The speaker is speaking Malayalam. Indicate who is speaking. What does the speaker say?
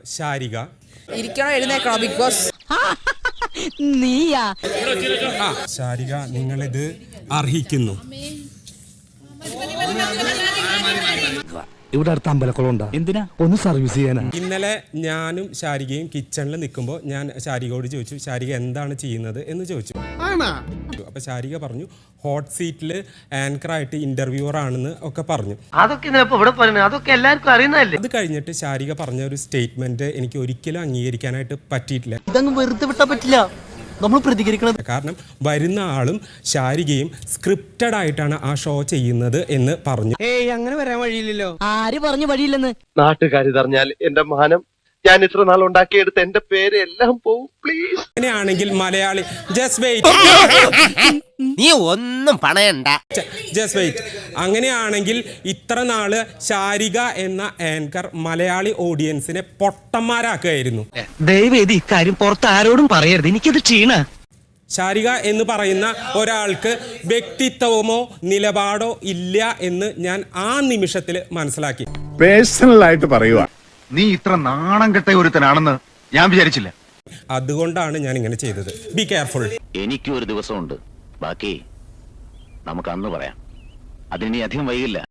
Speaker 1: ശാരിക.
Speaker 2: ഇരിക്കണോ എഴുന്നേക്കണോ ബിഗ് ബോസ്?
Speaker 3: നീയാ?
Speaker 1: ശാരിക, നിങ്ങളിത് അർഹിക്കുന്നു.
Speaker 4: ഇവിടെ അടുത്ത അമ്പലക്കുളം എന്തിനാ? ഒന്ന് സർവീസ് ചെയ്യാനാ.
Speaker 1: ഇന്നലെ ഞാനും ശാരികയും കിച്ചണിൽ നിൽക്കുമ്പോൾ ഞാൻ ശാരികയോട് ചോദിച്ചു, ശാരിക എന്താണ് ചെയ്യുന്നത് എന്ന് ചോദിച്ചു. അപ്പൊ ശാരിക പറഞ്ഞു ഹോട്ട് സീറ്റിൽ ആങ്കറായിട്ട് ഇന്റർവ്യൂവർ ആണെന്ന് ഒക്കെ പറഞ്ഞു.
Speaker 5: അതൊക്കെ എല്ലാവർക്കും അറിയുന്നതല്ലേ.
Speaker 1: അത് കഴിഞ്ഞിട്ട് ശാരിക പറഞ്ഞ ഒരു സ്റ്റേറ്റ്മെന്റ് എനിക്ക് ഒരിക്കലും അംഗീകരിക്കാനായിട്ട് പറ്റിയിട്ടില്ല.
Speaker 5: ഇതങ്ങ് വെറുതെ വിട്ടാ പറ്റില്ല, നമ്മൾ പ്രതികരിക്കണം.
Speaker 1: കാരണം വരുന്ന ആളും ശാരികയും സ്ക്രിപ്റ്റഡ് ആയിട്ടാണ് ആ ഷോ ചെയ്യുന്നത് എന്ന് പറഞ്ഞു.
Speaker 5: അങ്ങനെ വരാൻ വഴിയില്ലല്ലോ.
Speaker 3: ആര് പറഞ്ഞു വഴിയില്ലെന്ന്?
Speaker 6: നാട്ടുകാരിതറിഞ്ഞാൽ എന്റെ മാനം, ഞാൻ ഇത്ര നാൾ ഉണ്ടാക്കിയെടുത്ത് എന്റെ പേര് എല്ലാം പോവും. പ്ലീസ്.
Speaker 1: അങ്ങനെയാണെങ്കിൽ മലയാളി ജസ്റ്റ് വെയിറ്റ്,
Speaker 5: നീ ഒന്നും പണയണ്ട.
Speaker 1: Just wait. അങ്ങനെയാണെങ്കിൽ ഇത്ര നാള് ശാരിക എന്ന ആങ്കർ മലയാളി ഓഡിയൻസിനെ പൊട്ടന്മാരാക്കുകയായിരുന്നു.
Speaker 5: ദയവേദി ഇക്കാര്യം പുറത്ത് ആരോടും പറയരുത്, എനിക്കത് ക്ഷീണ.
Speaker 1: ശാരിക എന്ന് പറയുന്ന ഒരാൾക്ക് വ്യക്തിത്വമോ നിലപാടോ ഇല്ല എന്ന് ഞാൻ ആ നിമിഷത്തിൽ മനസ്സിലാക്കി.
Speaker 7: പേഴ്സണലായിട്ട് പറയുക,
Speaker 8: നീ ഇത്ര നാണം കെട്ട ഒരുത്തനാണെന്ന് ഞാൻ വിചാരിച്ചില്ല.
Speaker 1: അതുകൊണ്ടാണ് ഞാൻ ഇങ്ങനെ ചെയ്തത്. Be careful.
Speaker 9: എനിക്കും ഒരു ദിവസമുണ്ട്, ബാക്കി നമുക്ക് അന്ന് പറയാം. അതിനി അധികം വൈകില്ല.